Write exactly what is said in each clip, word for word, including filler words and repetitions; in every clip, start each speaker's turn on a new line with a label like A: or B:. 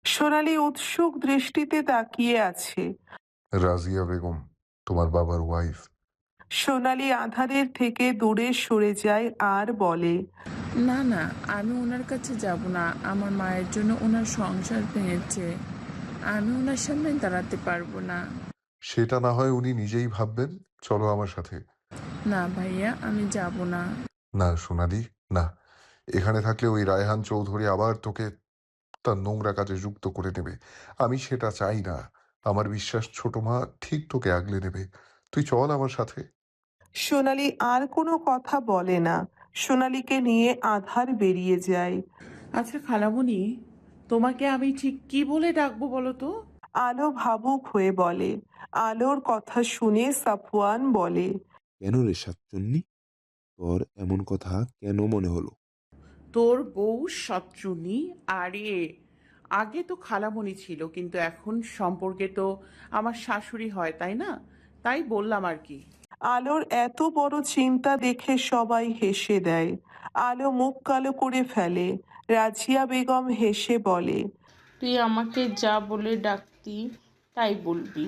A: সোনালি উৎসুক দৃষ্টিতে তাকিয়ে আছে।
B: রাজিয়া বেগম, তোমার বাবার ওয়াইফ।
A: সোনালি আধারের থেকে দূরে সরে যায় আর বলে,
C: না না, আমি ওনার কাছে যাব না। আমার মায়ের জন্য ওনার সংসার ভেঙেছে, আমি ওনার সামনে দাঁড়াতে পারবো না।
B: সেটা না হয় উনি নিজেই ভাববেন। চলো আমার সাথে।
C: না ভাইয়া, আমি যাব না।
B: না সোনালি, না। এখানে থাকলে ওই রায়হান চৌধুরী আবার তোকে তার নোংরা কাজে যুক্ত করে নেবে। আমি সেটা চাই না। আমার বিশ্বাস ছোট মা ঠিক তোকে আগলে নেবে। তুই চল আমার সাথে।
A: সোনালি আর কোনো কথা বলে না। সোনালিকে নিয়ে আধার বেরিয়ে যায়।
D: আচ্ছা খালামণি, তোমাকে আমি ঠিক কি বলে ডাকবো বলো তো?
A: আলো ভাবুক হয়ে বলে। আলোর কথা শুনে সাফওয়ান বলে,
E: কেন রে সাতচন্নি, তোর এমন কথা কেন মনে হলো?
D: তোর বউ সচ্চুনি? আরে, আগে তো খালামণি ছিল, কিন্তু এখন সম্পর্কে তো আমার শাশুড়ি হয়, তাই না? তাই বললাম আর কি।
A: আলোর এত বড় চিন্তা দেখে সবাই হেসে দেয়। আলো মুখ কালো করে ফেলে। রাজিয়া বেগম হেসে বলে,
F: তুই আমাকে যা বলে ডাকতি তাই বলবি।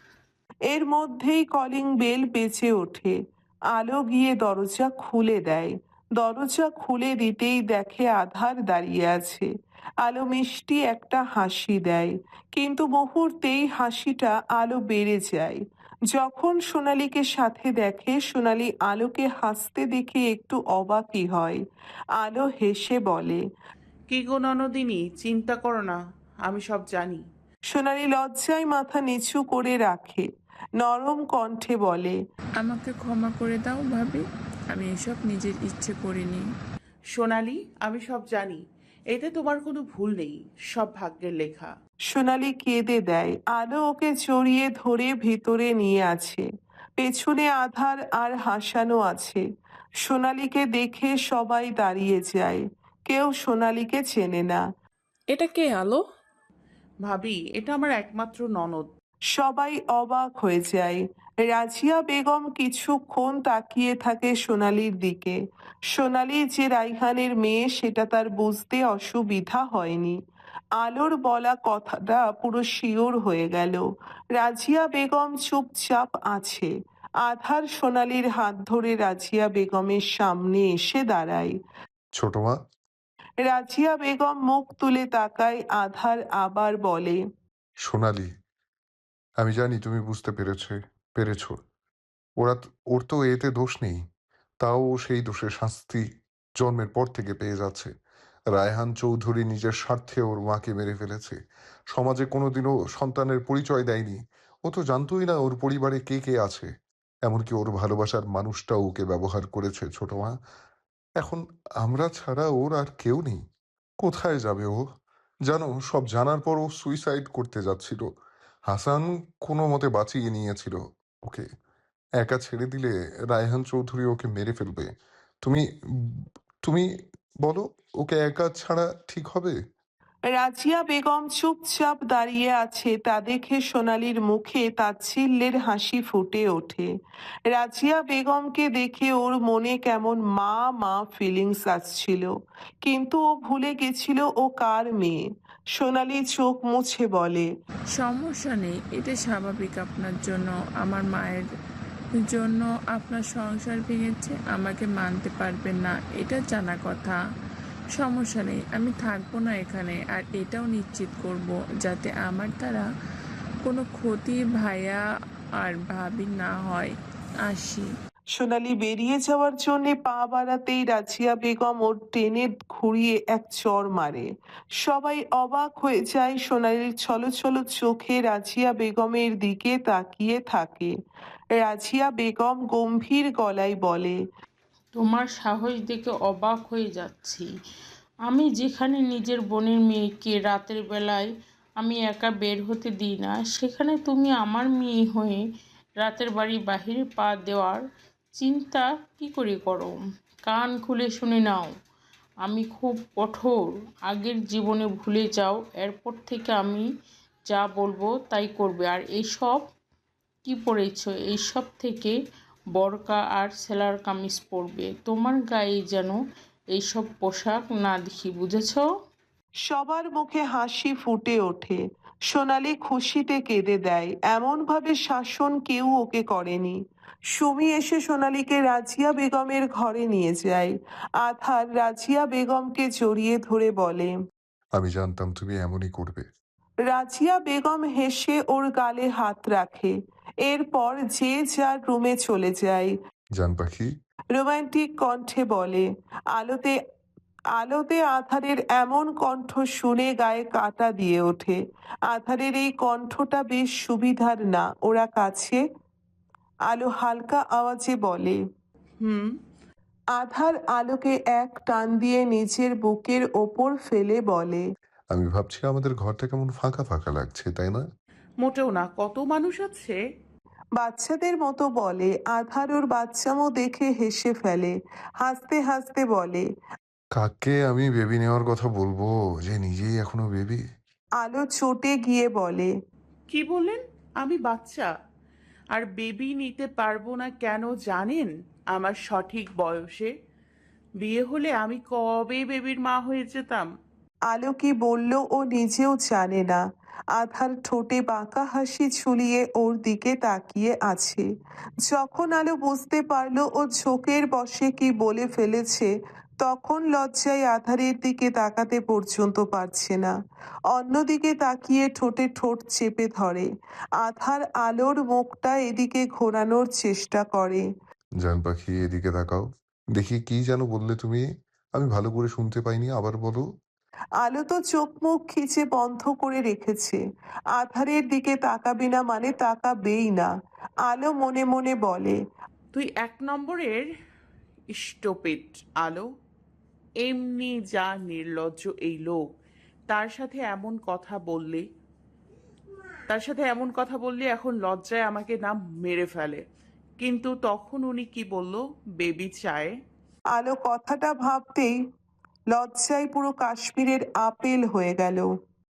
A: এর মধ্যেই কলিং বেল বেজে ওঠে। আলো গিয়ে দরজা খুলে দেয়। দরজা খুলে দিতেই দেখে আধার দাঁড়িয়ে আছে। আলো মিষ্টি একটা হাসি দেয়, কিন্তু মুহূর্তেই হাসিটা আলো বেড়ে যায়। যখন সোনালীকে সাথে দেখে, সোনালী আলোকে হাসতে দেখে একটু অবাকই হয়। আলো হেসে বলে,
D: কি গো ননদিনী, চিন্তা করো না, আমি সব জানি।
A: সোনালী লজ্জায় মাথা নিচু করে রাখে। নরম কণ্ঠে বলে,
C: আমাকে ক্ষমা করে দাও ভাবি, আমি এসব নিজের ইচ্ছে করিনি।
D: সোনালি, আমি সব জানি, এতে তোমার কোনো ভুল নেই, সব ভাগ্যের লেখা।
A: সোনালি কেঁদে দেয়। আলো ওকে জড়িয়ে ধরে ভিতরে নিয়ে আছে। পেছনে আধার আর হাসানো আছে। সোনালীকে দেখে সবাই দাঁড়িয়ে যায়। কেউ সোনালীকে চেনে না।
C: এটা কে আলো?
D: ভাবি, এটা আমার একমাত্র ননদ।
A: সবাই অবাক হয়ে যায়। রাজিয়া বেগম কিছুক্ষণ তাকিয়ে থাকে সোনালীর দিকে। সোনালী যে রাইহানের মেয়ে সেটা তার বুঝতে অসুবিধা হয়নি। আলোর বলা কথাটা পুরো শিওর হয়ে গেল। রাজিয়া বেগম চুপচাপ আছে। আধার সোনালীর হাত ধরে রাজিয়া বেগমের সামনে এসে দাঁড়ায়।
B: ছোট মা।
A: রাজিয়া বেগম মুখ তুলে তাকায়। আধার আবার বলে,
B: সোনালি, আমি জানি তুমি বুঝতে পেরেছে পেরেছ। ওরা তো- ওর তো এতে দোষ নেই। তাও ও সেই দোষের শাস্তি জন্মের পর থেকে পেয়ে যাচ্ছে। রায়হান চৌধুরী নিজের স্বার্থে ওর মাকে মেরে ফেলেছে। সমাজে কোনোদিনও সন্তানের পরিচয় দেয়নি। ও তো জানতোই না ওর পরিবারে কে কে আছে। এমনকি ওর ভালোবাসার মানুষটাও ওকে ব্যবহার করেছে ছোট মা। এখন আমরা ছাড়া ওর আর কেউ নেই। কোথায় যাবে ও? জানো, সব জানার পর ও সুইসাইড করতে যাচ্ছিল। হাসান কোনো মতে বাঁচিয়ে নিয়েছিল ওকে। একা ছেড়ে দিলে রায়হান চৌধুরী ওকে মেরে ফেলবে। তুমি তুমি বলো, ওকে একা ছাড়া ঠিক হবে?
A: রাজিয়া বেগম চুপচাপ দাঁড়িয়ে আছে। তা দেখে সোনালীর মুখে তাচ্ছিল্যের হাসি ফুটে ওঠে। রাজিয়া বেগমকে দেখে ওর মনে কেমন মা মা ফিলিংস আসছিল, কিন্তু ও ভুলে গেছিল ও কার মেয়ে। সোনালী চোখ মুছে বলে,
C: সমস্যা নেই, এটা স্বাভাবিক আপনার জন্য। আমার মায়ের জন্য আপনার সংসার ভেঙেছে, আমাকে মানতে পারবেন না, এটা জানা কথা। সমস্যা নেই, আমি থাকবো না এখানে। আর এটাও নিশ্চিত করব যাতে আমার দ্বারা কোনো ক্ষতি ভাইয়া আর ভাবি না হয়। আসি।
A: সোনালী বেরিয়ে যাওয়ার জন্য পা বাড়াতেই রাজিয়া বেগম ওর টেনে ঘুরিয়ে এক চড় মারে। সবাই অবাক হয়ে যায়। সোনালীর ছলছল চোখে রাজিয়া বেগমের দিকে তাকিয়ে থাকে। রাজিয়া বেগম গম্ভীর গলায় বলে,
F: তোমার সাহস দেখে অবাক হয়ে যাচ্ছি। আমি যেখানে নিজের বোনের মেয়েকে রাতের বেলায় আমি একা বের হতে দিই না, সেখানে তুমি আমার মেয়ে হয়ে রাতের বাড়ি বাহিরে পা দেওয়ার চিন্তা কি করে করো? কান খুলে শুনে নাও, আমি খুব কঠোর। আগের জীবনে ভুলে যাও, এরপর থেকে আমি যা বলবো তাই করবে। আর এইসব কি পরেছো? এইসব থেকে বরকা আর সেলার কামিজ পরবে। তোমার গায়ে যেন এইসব পোশাক না দেখি, বুঝেছো?
A: সবার মুখে হাসি ফুটে ওঠে। সোনালি খুশিতে কেঁদে দেয়। এমনভাবে শাসন কেউ ওকে করেনি। সুমি এসে সোনালীকে রাজিয়া বেগমের ঘরে নিয়ে যায়। আধার রাজিয়া বেগমকে জড়িয়ে ধরে বলে,
B: আমি জানতাম তুমি এমনই করবে।
A: রাজিয়া বেগম হেসে ওর গালে হাত রাখে। এরপর যে যার রুমে চলে যায়।
B: জান পাখি,
A: রোমান্টিক কণ্ঠে বলে। আলোতে আলোতে আধারের এমন কণ্ঠ শুনে গায়ে কাঁটা দিয়ে ওঠে। আধারের এই কণ্ঠটা বেশ সুবিধার না। ওরা কাছে। আলো হালকা আওয়াজে বলে।
D: হুম।
A: আধার আলোকে এক টান দিয়ে নিচের বুকের ওপর ফেলে বলে,
B: আমি ভাবছি আমাদের ঘরটা কেমন ফাঁকা ফাঁকা লাগছে, তাই না?
D: মোটেও না, কত মানুষ আছে।
A: বাচ্চাদের মতো বলে। আধার ওর বাচ্চামো দেখে হেসে ফেলে। হাসতে হাসতে বলে,
B: কাকে আমি বেবি নেওয়ার কথা বলবো যে নিজেই এখনো বেবি?
A: আলো চটে গিয়ে বলে,
D: কি বললেন? আমি বাচ্চা আর বেবি নিতে পারবো না কেন জানেন? আমার সঠিক বয়সে বিয়ে হলে আমি কবে বেবির মা হয়ে যেতাম।
A: আলো কি বলল ও নিজেও জানে না। আধার ঠোঁটে বাঁকা হাসি ঝুলিয়ে ওর দিকে তাকিয়ে আছে। যখন আলো বুঝতে পারলো ও ঝোঁকের বশে কি বলে ফেলেছে, তখন লজ্জায় আধারের দিকে তাকাতে পর্যন্ত পারছে না। অন্যদিকে তাকিয়ে ঠোঁটে ঠোঁট চেপে ধরে। আধার আলোর মুখটা এদিকে ঘোরানোর চেষ্টা করে।
B: জান পাখি, এদিকে তাকাও। দেখি কি যেন বললে তুমি? আমি ভালো করে শুনতে পাইনি, আবার বলো।
A: আলো তো চোখ মুখ খিচে বন্ধ করে রেখেছে। আধারের দিকে তাকাবে না মানে তাকাবেই না। আলো মনে মনে বলে,
D: তুই এক নম্বরের স্টুপিড আলো। এমনি যা নির্লজ্জ এই লোক, তার সাথে এমন কথা বললে তার সাথে এমন কথা বললে এখন লজ্জায় আমাকে না মেরে ফেলে। কিন্তু তখন উনি কি বলল? বেবি চায়।
A: আলো কথাটা ভাবতেই লজ্জায় পুরো কাশ্মীরের আপেল হয়ে গেল।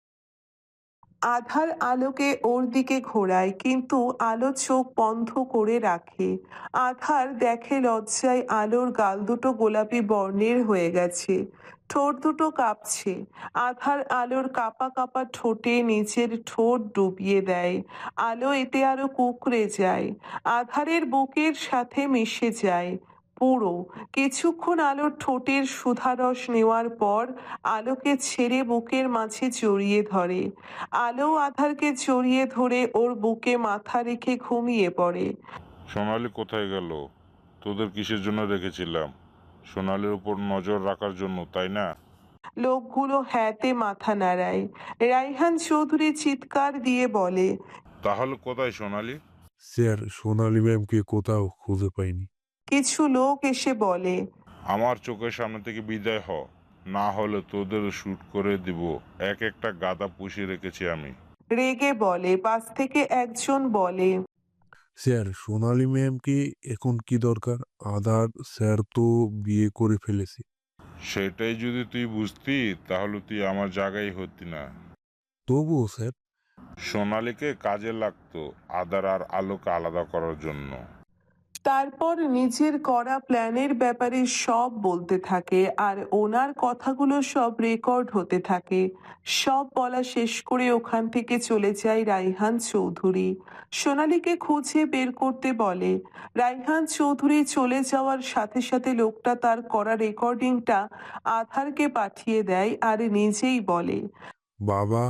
A: আধার আলোকে ওর দিকে ঘোরায়, কিন্তু আলো চোখ বন্ধ করে রাখে। আধার দেখে লজ্জায় আলোর গাল দুটো গোলাপি বর্ণের হয়ে গেছে। ঠোঁট দুটো কাঁপছে। আধার আলোর কাঁপা কাঁপা ঠোঁটে নিচের ঠোঁট ডুবিয়ে দেয়। আলো এতে আরো কুঁকড়ে যায়। আধারের বুকের সাথে মিশে যায় পুরো। কিছুক্ষণ আলোর ঠোঁটের সুধারস নেওয়ার পর আলোকে ছেড়ে বুকের মাঝে জড়িয়ে ধরে। আলো আধারকে জড়িয়ে ধরে ওর বুকে মাথা রেখে ঘুমিয়ে পড়ে।
G: সোনালি কোথায় গেল? তোদের কিসের জন্য রেখেছিলাম? সোনালির উপর নজর রাখার জন্য, তাই না?
A: লোকগুলো হ্যাঁতে মাথা নাড়ায়। রাইহান চৌধুরী চিৎকার দিয়ে বলে,
G: তাহলে কোথায় সোনালি?
E: স্যার, সোনালী ম্যামকে কোথাও খুঁজে পাইনি।
A: কিছু লোক এসে বলে,
G: আমার চোখের সামনে থেকে বিদায় হ, না হলে তোদের শুট করে দিব। এক একটা গাদা পুষিয়ে রেখেছি আমি।
A: রেগে বলে। পাশ থেকে একজন বলে,
E: স্যার, সোনালী ম্যামকে এখন কি দরকার? আধার স্যার তো বিয়ে করে ফেলেছে।
G: সেটাই যদি তুই বুঝতি তাহলে তুই আমার জায়গায় হতি না।
E: তবুও স্যার।
G: সোনালিকে কাজে লাগতো আদার আর আলোকে আলাদা করার জন্য।
A: তারপর নিজের করা প্ল্যানের ব্যাপারে সব বলতে থাকে। আর ওনার কথাগুলো সব রেকর্ড হতে থাকে। সব বলা শেষ করে ওখান থেকে চলে যায় রাইহান চৌধুরী। সোনালীকে খুঁজে বের করতে বলে। রাইহান চৌধুরী চলে যাওয়ার সাথে সাথে লোকটা তার করা রেকর্ডিংটা আধারকে পাঠিয়ে দেয় আর নিজেই বলে,
E: বাবা,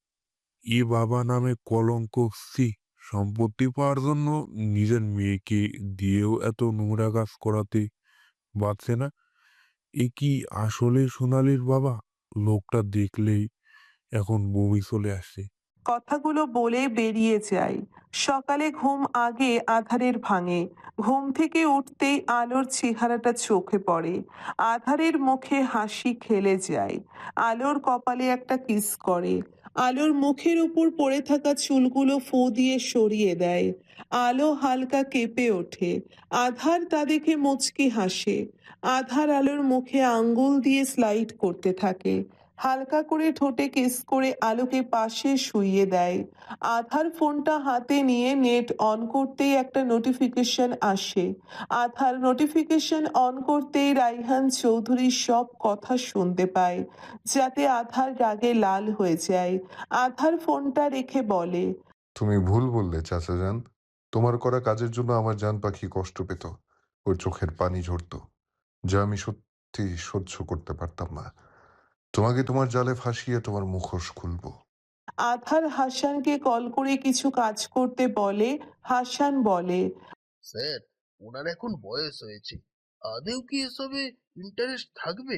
E: ই বাবা নামে কলঙ্ক, সি! সম্পত্তি পাওয়ার জন্য নিজের মেয়েকে দিয়েও এত নোংরা কাজ করাতে বাঁচছে না। এ কি আসলে সোনালীর বাবা? লোকটা দেখলেই এখন বমি চলে আসছে।
A: কথাগুলো বলে বেরিয়ে যায়। সকালে ঘুম আগে আধারের ভাঙে। ঘুম থেকে উঠতেই আলোর চেহারাটা চোখে পড়ে। আধারের মুখে হাসি খেলে যায়। আলোর কপালে একটা কিস করে। আলোর মুখের উপর পড়ে থাকা চুলগুলো ফু দিয়ে সরিয়ে দেয়। আলো হালকা কেঁপে ওঠে। আধার তা দেখে মুচকি হাসে। আধার আলোর মুখে আঙ্গুল দিয়ে স্লাইড করতে থাকে। হালকা করে ঠোঁটে কিস করে আলোকে পাশে শুইয়ে দেয়। আধার ফোনটা হাতে নিয়ে নেট অন করতেই একটা নোটিফিকেশন আসে। আধার নোটিফিকেশন অন করতেই রাইহান চৌধুরীর সব কথা শুনতে পায়, যাতে আধার রাগে লাল হয়ে যায়। আধার ফোনটা রেখে বলে,
B: তুমি ভুল বললে চাচা যান। তোমার করা কাজের জন্য আমার জান পাখি কষ্ট পেত, ওর চোখের পানি ঝরত, যা আমি সত্যি সহ্য করতে পারতাম না। তোমাকে তোমার জালে ফাঁসিয়ে তোমার মুখোশ খুলবো।
A: আধার হাসানকে কল করে কিছু কাজ করতে বলে। হাসান বলে,
H: স্যার, ওনার এখন বয়স হয়েছে, আদেও কি এসবে ইন্টারেস্ট থাকবে?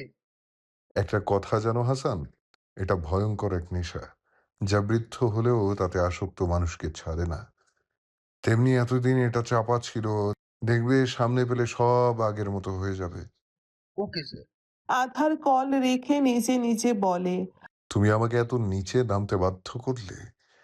B: একটা কথা জানো হাসান, এটা ভয়ঙ্কর এক নেশা, যা বৃদ্ধ হলেও তাতে আসক্ত মানুষকে ছাড়ে না। তেমনি এতদিন এটা চাপা ছিল, দেখবে সামনে পেলে সব আগের মতো হয়ে যাবে।
H: Okay sir.
A: আধার কল রেখে নিজে নিজে বলে,
B: তুমি আমাকে এত নিচে নামতে বাধ্য করলে।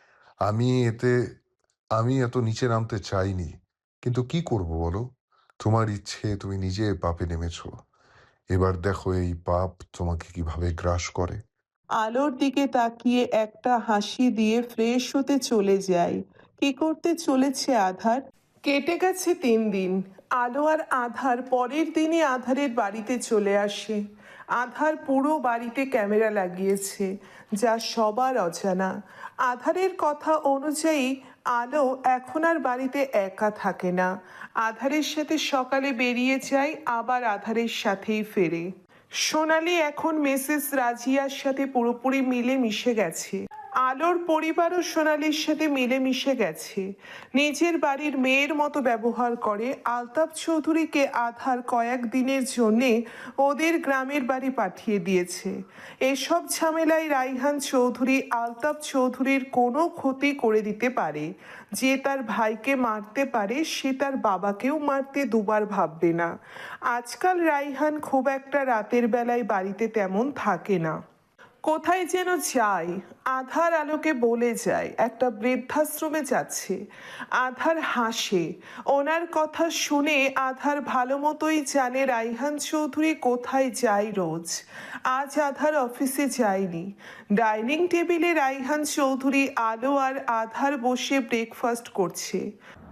B: আমি এতে আমি এত নিচে নামতে চাইনি, কিন্তু কি করব বলো? তোমার ইচ্ছে, তুমি নিজে পাপে নেমেছো। এবার দেখো এই পাপ তোমাকে কিভাবে গ্রাস করে।
A: আলোর দিকে তাকিয়ে একটা হাসি দিয়ে ফ্রেশ হতে চলে যায়। কি করতে চলেছে আধার? কেটে গেছে তিন দিন। আলো আর আধার পরের দিনই আধারের বাড়িতে চলে আসে। আধার পুরো বাড়িতে ক্যামেরা লাগিয়েছে, যা সবার অজানা। আধারের কথা অনুযায়ী আলো এখন আর বাড়িতে একা থাকে না। আধারের সাথে সকালে বেরিয়ে যায়, আবার আধারের সাথেই ফেরে। সোনালি এখন মিসেস রাজিয়ার সাথে পুরোপুরি মিলে মিশে গেছে। আলোর পরিবারও সোনালির সাথে মিলে মিশে গেছে। নিজের বাড়ির মেয়ের মতো ব্যবহার করে। আলতাফ চৌধুরীকে আধার কয়েক দিনের জন্যে ওদের গ্রামের বাড়ি পাঠিয়ে দিয়েছে। এসব ঝামেলায় রাইহান চৌধুরী আলতাফ চৌধুরীর কোনো ক্ষতি করে দিতে পারে। যে তার ভাইকে মারতে পারে, সে তার বাবাকেও মারতে দুবার ভাববে না। আজকাল রাইহান খুব একটা রাতের বেলায় বাড়িতে তেমন থাকে না, কোথায় যেন যায়। আধার আলোকে বলে যায় একটা বৃদ্ধাশ্রমে যাচ্ছে। আধার হাসে। ওনার কথা শুনে আধার ভালো মতোই জানে রাইহান চৌধুরী কোথায় যায় রোজ। আজ আধার অফিসে যায়নি। ডাইনিং টেবিলে রাইহান চৌধুরী, আলো আর আধার বসে ব্রেকফাস্ট করছে।